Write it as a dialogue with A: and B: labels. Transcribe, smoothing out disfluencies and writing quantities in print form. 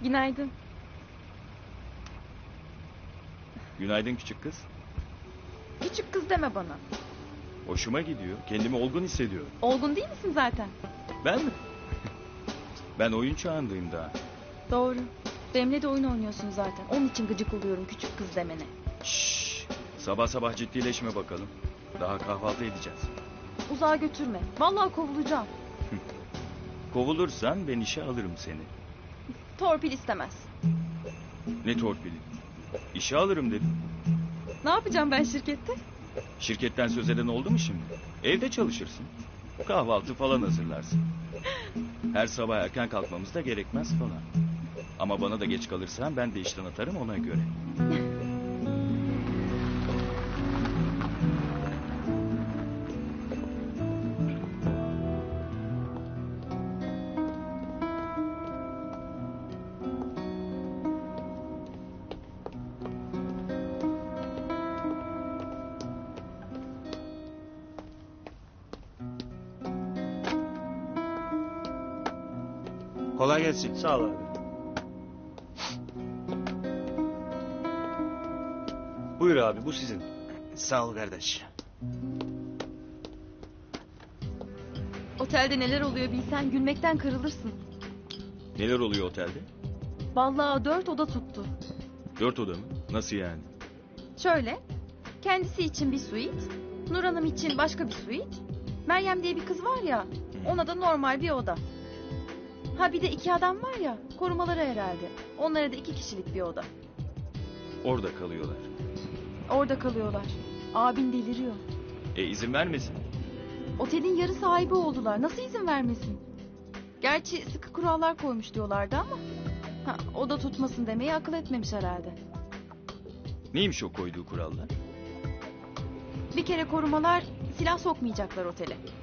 A: Günaydın.
B: Günaydın küçük kız.
A: Küçük kız deme bana.
B: Hoşuma gidiyor. Kendimi olgun hissediyorum.
A: Olgun değil misin zaten?
B: Ben mi? Ben oyun çağındayım daha.
A: Doğru. Benimle de oyun oynuyorsun zaten. Onun için gıcık oluyorum küçük kız demene.
B: Şşş. Sabah sabah ciddileşme bakalım. Daha kahvaltı edeceğiz.
A: Uzağa götürme. Vallahi kovulacağım.
B: Kovulursan ben işe alırım seni.
A: Torpil istemez.
B: Ne torpili? İşe alırım dedim.
A: Ne yapacağım ben şirkette?
B: Şirketten söz eden oldu mu şimdi? Evde çalışırsın. Kahvaltı falan hazırlarsın. Her sabah erken kalkmamız da gerekmez falan. Ama bana da geç kalırsan ben de işten atarım ona göre.
C: Kolay gelsin.
D: Sağ ol abi. Buyur abi, bu sizin.
C: Sağ ol kardeş.
A: Otelde neler oluyor bilsen gülmekten kırılırsın.
B: Neler oluyor otelde?
A: Vallahi 4 oda tuttu.
B: 4 oda mı? Nasıl yani?
A: Şöyle. Kendisi için bir suite. Nur Hanım için başka bir suite. Meryem diye bir kız var ya. Ona da normal bir oda. Ha bir de 2 adam var ya. Korumaları herhalde. Onlara da 2 kişilik bir oda.
B: Orada kalıyorlar.
A: Orada kalıyorlar. Abin deliriyor.
B: İzin vermesin.
A: Otelin yarı sahibi oldular. Nasıl izin vermesin? Gerçi sıkı kurallar koymuş diyorlardı ama... Ha, o da tutmasın demeyi akıl etmemiş herhalde.
B: Neymiş o koyduğu kurallar?
A: Bir kere korumalar silah sokmayacaklar otele.